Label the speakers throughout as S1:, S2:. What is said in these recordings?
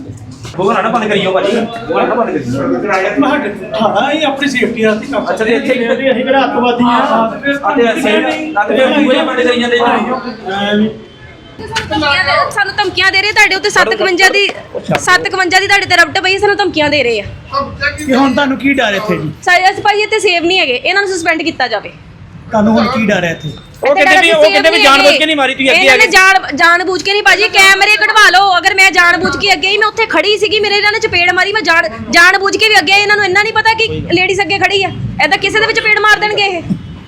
S1: ਬੋਲਣਾ ਨਾ ਬੰਦ ਕਰੀਓ ਭਾਜੀ, ਬੋਲਣਾ ਨਾ ਬੰਦ ਕਰੀਓ।
S2: ਹਾਂ ਇਹ ਆਪਣੀ ਸੇਫਟੀ ਵਾਸਤੇ ਕੰਮ।
S1: ਅੱਛਾ ਤੇ ਇੱਥੇ
S2: ਅਸੀਂ ਕਿਹੜਾ ਅੱਤਵਾਦੀ ਆ
S1: ਅਤੇ ਅਸੀਂ ਲੱਗ ਦੇ ਦੂਏ ਬੰਦੇ ਕਰੀ ਜਾਂਦੇ
S3: ਸਾਨੂੰ ਧਮਕੀਆਂ ਦੇ ਰਹੇ ਤੁਹਾਡੇ ਉੱਤੇ 751 ਦੀ ਤੁਹਾਡੇ ਤੇ ਰਬਟ ਪਈ, ਸਾਨੂੰ ਧਮਕੀਆਂ ਦੇ ਰਹੇ ਆ
S2: ਕਿ ਹੁਣ ਤੁਹਾਨੂੰ ਕੀ ਡਰ ਇੱਥੇ ਜੀ?
S3: ਸਾਰੇ ਅਸੀਂ ਭਾਈ ਇੱਥੇ ਸੇਵ ਨਹੀਂ ਹੈਗੇ, ਇਹਨਾਂ ਨੂੰ ਸਸਪੈਂਡ ਕੀਤਾ ਜਾਵੇ।
S2: ਤੁਹਾਨੂੰ ਹੁਣ ਕੀ ਡਰ ਹੈ ਇੱਥੇ?
S1: ਉਹ ਕਹਿੰਦੇ ਵੀ ਜਾਣ ਬੁੱਝ ਕੇ ਨਹੀਂ ਮਾਰੀ, ਤੁਸੀਂ ਅੱਗੇ ਆ ਗਏ।
S3: ਇਹਨਾਂ ਨੇ ਜਾਣ ਬੁੱਝ ਕੇ ਨਹੀਂ ਭਾਜੀ, ਕੈਮਰੇ ਕਢਵਾ ਲਓ। ਅਗਰ ਮੈਂ ਜਾਣ ਬੁੱਝ ਕੇ ਅੱਗੇ ਹੀ, ਮੈਂ ਉੱਥੇ ਖੜੀ ਸੀਗੀ, ਮੇਰੇ ਇਹਨਾਂ ਨੇ ਚਪੇੜ ਮਾਰੀ, ਮੈਂ ਜਾਣ ਬੁੱਝ ਕੇ ਵੀ ਅੱਗੇ ਆਈ। ਇਹਨਾਂ ਨੂੰ ਇੰਨਾ ਨਹੀਂ ਪਤਾ ਕਿ ਲੇਡੀਜ਼ ਅੱਗੇ ਖੜੀ ਆ, ਐਦਾਂ ਕਿਸੇ ਦੇ ਵਿੱਚ ਚਪੇੜ ਮਾਰ ਦੇਣਗੇ ਇਹ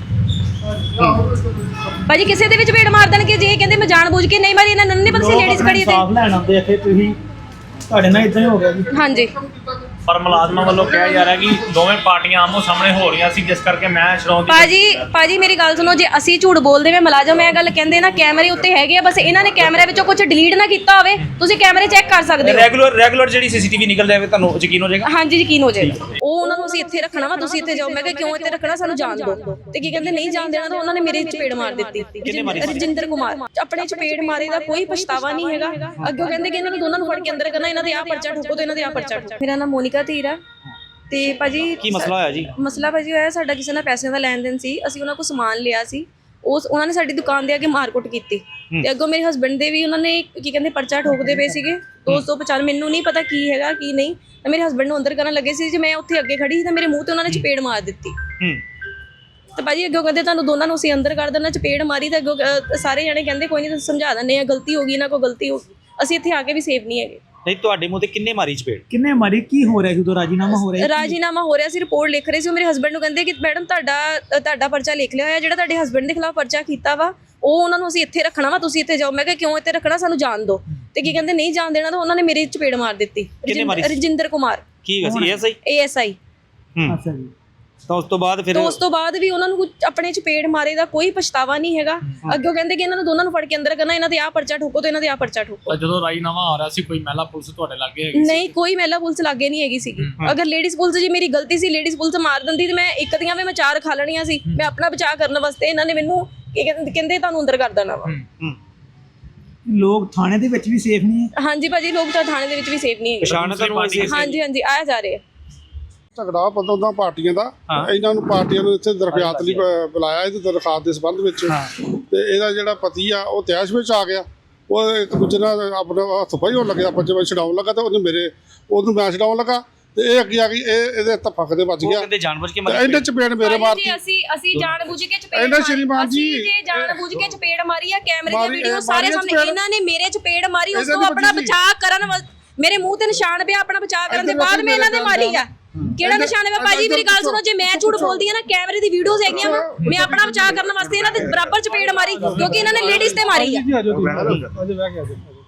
S3: ਭਾਜੀ, ਕਿਸੇ ਦੇ ਵਿੱਚ ਚਪੇੜ ਮਾਰ ਦੇਣਗੇ ਜੇ ਇਹ ਕਹਿੰਦੇ ਮੈਂ ਜਾਣ ਬੁੱਝ ਕੇ ਨਹੀਂ ਮਾਰੀ। ਇਹਨਾਂ ਨੂੰ ਨਹੀਂ ਪਤਾ ਸੀ ਲੇਡੀਜ਼ ਖੜੀ ਤੇ
S2: ਸਾਫ ਲੈਣ ਆਉਂਦੇ ਇੱਥੇ, ਤੁਸੀਂ ਤੁਹਾਡੇ ਨਾਲ ਇਦਾਂ ਹੀ ਹੋ ਗਿਆ ਜੀ।
S3: ਹਾਂਜੀ
S4: ਪਰ ਮੁਲਾਜ਼ਮਾਂ ਵੱਲੋਂ ਕਿਹਾ ਜਾ ਰਿਹਾ ਕਿ ਦੋਵੇਂ ਪਾਰਟੀਆਂ ਆਮੋ ਸਾਹਮਣੇ ਹੋ ਰਹੀਆਂ ਸੀ, ਜਿਸ ਕਰਕੇ ਮੈਂ ਛਡਾਉਣ ਦੀ
S3: ਭਾਜੀ ਮੇਰੀ ਗੱਲ ਸੁਣੋ, ਜੇ ਅਸੀਂ ਝੂਠ ਬੋਲਦੇ ਵੇ ਮੁਲਾਜ਼ਮ ਇਹ ਗੱਲ ਕਹਿੰਦੇ ਨਾ ਕੈਮਰੇ ਉੱਤੇ ਹੈਗੇ ਆ, ਬਸ ਇਹਨਾਂ ਨੇ ਕੈਮਰੇ ਵਿੱਚੋਂ ਕੁਝ ਡਿਲੀਟ ਨਾ ਕੀਤਾ ਹੋਵੇ, ਤੁਸੀਂ ਕੈਮਰੇ ਚੈੱਕ ਕਰ ਸਕਦੇ ਹੋ।
S1: ਰੈਗੂਲਰ ਜਿਹੜੀ ਸੀਸੀਟੀਵੀ ਨਿਕਲ ਜਾਵੇ ਤੁਹਾਨੂੰ ਯਕੀਨ ਹੋ ਜਾਏਗਾ।
S3: ਹਾਂਜੀ ਯਕੀਨ ਹੋ ਜਾਏਗਾ। ਉਹ ਉਹਨਾਂ ਨੂੰ ਅਸੀਂ ਇੱਥੇ ਰੱਖਣਾ ਵਾ, ਤੁਸੀਂ ਇੱਥੇ ਜਾਓ। ਮੈਂ ਕਿਹਾ ਕਿਉਂ ਇੱਥੇ ਰੱਖਣਾ, ਸਾਨੂੰ ਜਾਣ ਦਿਓ। ਤੇ ਕੀ ਕਹਿੰਦੇ ਨਹੀਂ ਜਾਣ ਦੇਣਾ, ਤਾਂ ਉਹਨਾਂ ਨੇ ਮੇਰੇ ਚਪੇੜ ਮਾਰ ਦਿੱਤੀ। ਰਜਿੰਦਰ ਕੁਮਾਰ ਆਪਣੇ ਚਪੇੜ ਮਾਰੇ ਦਾ ਕੋਈ ਪਛਤਾਵਾ ਨਹੀਂ ਹੈਗਾ। ਅੱਗੇ ਕਹਿੰਦੇ ਕਿ ਇਹਨਾਂ ਨੂੰ ਦੋਨਾਂ ਨੂੰ ਫੜ ਕੇ ਅੰਦਰ ਕਰਨਾ, ਇਹਨਾਂ ਦੇ ਆਹ ਪਰਚਾ ਠੋਕੋ ਤੇ ਇਹਨਾਂ ਦੇ ਆਹ ਪਰਚਾ ਠੋਕੋ। ਮੇਰਾ ਨਾਮ ਮੋਨਿਕਾ ਧੀਰ ਆ। ਤੇ ਭਾਜੀ
S1: ਕੀ ਮਸਲਾ ਹੋਇਆ ਜੀ?
S3: ਮਸਲਾ ਭਾਜੀ ਹੋਇਆ, ਸਾਡਾ ਕਿਸੇ ਨਾਲ ਪੈਸਿਆਂ ਦਾ ਲੈਣ ਦੇਣ ਸੀ। ਅਸੀਂ ਉਹਨਾਂ ਕੋਲ ਸਮਾਨ ਲਿਆ ਸੀ, ਉਹਨਾਂ ਨੇ ਸਾਡੀ ਦੁਕਾਨ ਦੇ ਅੱਗੇ ਮਾਰਕੁੱਟ ਕੀਤੀ ਤੇ ਅੱਗੋਂ ਮੇਰੇ ਹਸਬੈਂਡ ਦੇ ਵੀ ਉਹਨਾਂ ਨੇ ਕੀ ਕਹਿੰਦੇ ਪਰਚਾ ਠੋਕਦੇ ਪਏ ਸੀਗੇ 250। ਮੈਨੂੰ ਨਹੀਂ ਪਤਾ ਕੀ ਹੈਗਾ ਕੀ ਨਹੀਂ, ਤਾਂ ਮੇਰੇ ਹਸਬੈਂਡ ਨੂੰ ਅੰਦਰ ਕਰਨ ਲੱਗੇ ਸੀ। ਜੇ ਮੈਂ ਉੱਥੇ ਅੱਗੇ ਖੜੀ ਸੀ ਤਾਂ ਮੇਰੇ ਮੂੰਹ ਤੇ ਉਹਨਾਂ ਨੇ ਚਪੇੜ ਮਾਰ ਦਿੱਤੀ। ਤੇ ਭਾਜੀ ਅੱਗੋਂ ਕਹਿੰਦੇ ਤੁਹਾਨੂੰ ਦੋਨਾਂ ਨੂੰ ਅਸੀਂ ਅੰਦਰ ਕਰ ਦੇਣਾ। ਚਪੇੜ ਮਾਰੀ ਤਾਂ ਅੱਗੋਂ ਸਾਰੇ ਜਣੇ ਕਹਿੰਦੇ ਕੋਈ ਨਹੀਂ ਤੁਸੀਂ ਸਮਝਾ ਦਿੰਦੇ ਆ, ਗਲਤੀ ਹੋ ਗਈ, ਇਹਨਾਂ ਕੋਲ ਗਲਤੀ ਹੋ ਗਈ। ਅਸੀਂ ਇੱਥੇ ਆ ਕੇ ਵੀ ਸੇਫ ਨਹੀਂ ਹੈਗੇ।
S1: ਨਹੀਂ ਤੁਹਾਡੇ ਮੂੰਹ ਤੇ ਕਿੰਨੇ ਮਾਰੀ ਚਪੇੜ?
S2: ਕਿੰਨੇ ਮਾਰੀ? ਕੀ ਹੋ ਰਿਹਾ ਸੀ ਉਦੋਂ? ਰਾਜੀਨਾਮਾ ਹੋ ਰਿਹਾ?
S3: ਰਾਜੀਨਾਮਾ ਹੋ ਰਿਹਾ ਸੀ, ਰਿਪੋਰਟ ਲਿਖ ਰਹੇ ਸੀ। ਉਹ ਮੇਰੇ ਹਸਬੈਂਡ ਨੂੰ ਕਹਿੰਦੇ ਕਿ ਮੈਡਮ ਤੁਹਾਡਾ ਪਰਚਾ ਲਿਖ ਲਿਆ ਹੋਇਆ, ਜਿਹੜਾ ਤੁਹਾਡੇ ਹਸਬੈਂਡ ਦੇ ਖਿਲਾਫ ਪਰਚਾ ਕੀਤਾ ਵਾ ਉਹ ਉਹਨਾਂ ਨੂੰ ਅਸੀਂ ਇੱਥੇ ਰੱਖਣਾ ਵਾ, ਤੁਸੀਂ ਇੱਥੇ ਜਾਓ। ਮੈਂ ਕਿਹਾ ਕਿਉਂ ਇੱਥੇ ਰੱਖਣਾ, ਸਾਨੂੰ ਜਾਣ ਦਿਓ। ਤੇ ਕੀ ਕਹਿੰਦੇ ਨਹੀਂ ਜਾਣ ਦੇਣਾ, ਤਾਂ ਉਹਨਾਂ ਨੇ ਮੇਰੇ ਚਪੇੜ ਮਾਰ ਦਿੱਤੀ। ਰਜਿੰਦਰ ਕੁਮਾਰ
S1: ਕੀ ਹੈਗਾ ਸੀ?
S3: ASI।
S2: ਅੱਛਾ ਜੀ।
S1: ਤਾਂ ਉਸ ਤੋਂ ਬਾਅਦ
S3: ਵੀ ਉਹਨਾਂ ਨੂੰ ਆਪਣੇ ਚਪੇੜ ਮਾਰੇ ਦਾ ਕੋਈ ਪਛਤਾਵਾ ਨਹੀਂ ਹੈਗਾ। ਅੱਗੇ ਕਹਿੰਦੇ ਕਿ ਇਹਨਾਂ ਨੂੰ ਦੋਨਾਂ ਨੂੰ ਫੜ ਕੇ ਅੰਦਰ ਕਰਨਾ, ਇਹਨਾਂ ਦੇ ਆਹ ਪਰਚਾ ਠੋਕੋ ਤੇ ਇਹਨਾਂ ਦੇ ਆਹ ਪਰਚਾ ਠੋਕੋ।
S4: ਜਦੋਂ ਰਾਜੀਨਾਮਾ ਆ ਰਿਹਾ ਸੀ ਕੋਈ ਮਹਿਲਾ ਪੁਲਿਸ ਤੁਹਾਡੇ ਲਾਗੇ ਹੈਗੀ?
S3: ਨਹੀਂ, ਕੋਈ ਮਹਿਲਾ ਪੁਲਿਸ ਲਾਗੇ ਨਹੀਂ ਹੈਗੀ ਸੀਗੀ। ਅਗਰ ਲੇਡੀਜ਼ ਪੁਲਿਸ ਜੀ ਮੇਰੀ ਗਲਤੀ ਸੀ, ਲੇਡੀਜ਼ ਪੁਲਿਸ ਮਾਰ ਦਿੰਦੀ ਤੇ ਮੈਂ ਇੱਕ ਦੀਆਂ ਵੀ ਮੈਂ 4 ਖਾ ਲੈਣੀਆਂ ਸੀ। ਮੈਂ ਆਪਣਾ ਬਚਾਅ ਕਰਨ ਵਾਸਤੇ ਇਹਨਾਂ ਨੇ ਮੈਨੂੰ ਕਹਿੰਦੇ ਤੁਹਾਨੂੰ ਅੰਦਰ ਕਰ ਦੇਣਾ ਵਾ।
S2: ਲੋਕ ਥਾਣੇ ਦੇ ਵਿੱਚ ਵੀ ਸੇਫ ਨਹੀਂ ਹੈ?
S3: ਹਾਂਜੀ ਭਾਜੀ, ਲੋਕ ਤਾਂ ਥਾਣੇ ਦੇ ਵਿੱਚ ਵੀ ਸੇਫ ਨਹੀਂ ਹੈਗੇ। ਹਾਂਜੀ ਆਇਆ ਜਾ ਰਹੇ ਆ।
S5: ਝਗੜਾ ਪਤਾ ਪਾਰਟੀਆਂ ਦਾ, ਇਹਨਾਂ ਨੂੰ ਪਾਰਟੀਆਂ ਨੂੰ ਇੱਥੇ ਦਰਖਾਸਤ ਲਈ ਬੁਲਾਇਆ ਇਹਦੀ ਦਰਖਾਸਤ ਦੇ ਸੰਬੰਧ ਵਿੱਚ। ਤੇ ਇਹਦਾ ਜਿਹੜਾ ਪਤੀ ਆ ਉਹ ਤੈਸ਼ ਵਿੱਚ ਆ ਗਿਆ, ਉਹ ਇੱਕ ਦੂਜੇ ਨਾਲ ਆਪਣਾ ਹੱਥ ਪਾਈ ਹੋਣ ਲੱਗਿਆ, ਪੰਜੇ ਵਜੇ ਛਡਾਉਣ ਲੱਗਾ ਤੇ ਉਹਨੂੰ ਮੈਂ ਛਡਾਉਣ ਲੱਗਾ ਤੇ ਇਹ ਅੱਗੇ ਆ ਗਈ, ਇਹਦੇ ਧੱਫਕ ਦੇ ਵੱਜ ਗਿਆ।
S1: ਕਹਿੰਦੇ ਜਾਣਬੁੱਝ ਕੇ
S5: ਇਹਨੇ ਚਪੇੜ ਮੇਰੇ ਮਾਰਤੀ।
S3: ਅਸੀਂ ਜਾਣਬੁੱਝ ਕੇ ਚਪੇੜ
S5: ਇਹਨੇ ਸ਼੍ਰੀਮਾਨ ਜੀ
S3: ਜਾਣਬੁੱਝ ਕੇ ਚਪੇੜ ਮਾਰੀ ਆ। ਕੈਮਰੇ ਦੀ ਵੀਡੀਓ ਸਾਰੇ ਸਾਹਮਣੇ, ਇਹਨਾਂ ਨੇ ਮੇਰੇ ਚਪੇੜ ਮਾਰੀ, ਉਸ ਤੋਂ ਆਪਣਾ ਬਚਾਅ ਕਰਨ ਮੇਰੇ ਮੂੰਹ ਤੇ ਨਿਸ਼ਾਨ ਪਿਆ, ਆਪਣਾ ਬਚਾਅ ਕਰਨ ਦੇ ਬਾਅਦ ਮੈਂ ਇਹਨਾਂ ਦੇ ਮਾਰੀ ਆ। ਕਿਹੜਾ ਨਿਸ਼ਾਨ ਹੈ ਭਾਜੀ? ਮੇਰੀ ਗੱਲ ਸੁਣੋ, ਜੇ ਮੈਂ ਝੂਠ ਬੋਲਦੀ ਆ ਨਾ, ਕੈਮਰੇ ਦੀ ਵੀਡੀਓਜ਼ ਹੈਗੀਆਂ ਵਾ, ਮੈਂ ਆਪਣਾ ਬਚਾਅ ਕਰਨ ਵਾਸਤੇ ਇਹਨਾਂ ਦੇ ਬਰਾਬਰ ਚਪੇੜ ਮਾਰੀ ਕਿਉਂਕਿ ਇਹਨਾਂ ਨੇ ਲੇਡੀਜ਼ ਤੇ ਮਾਰੀ ਆ।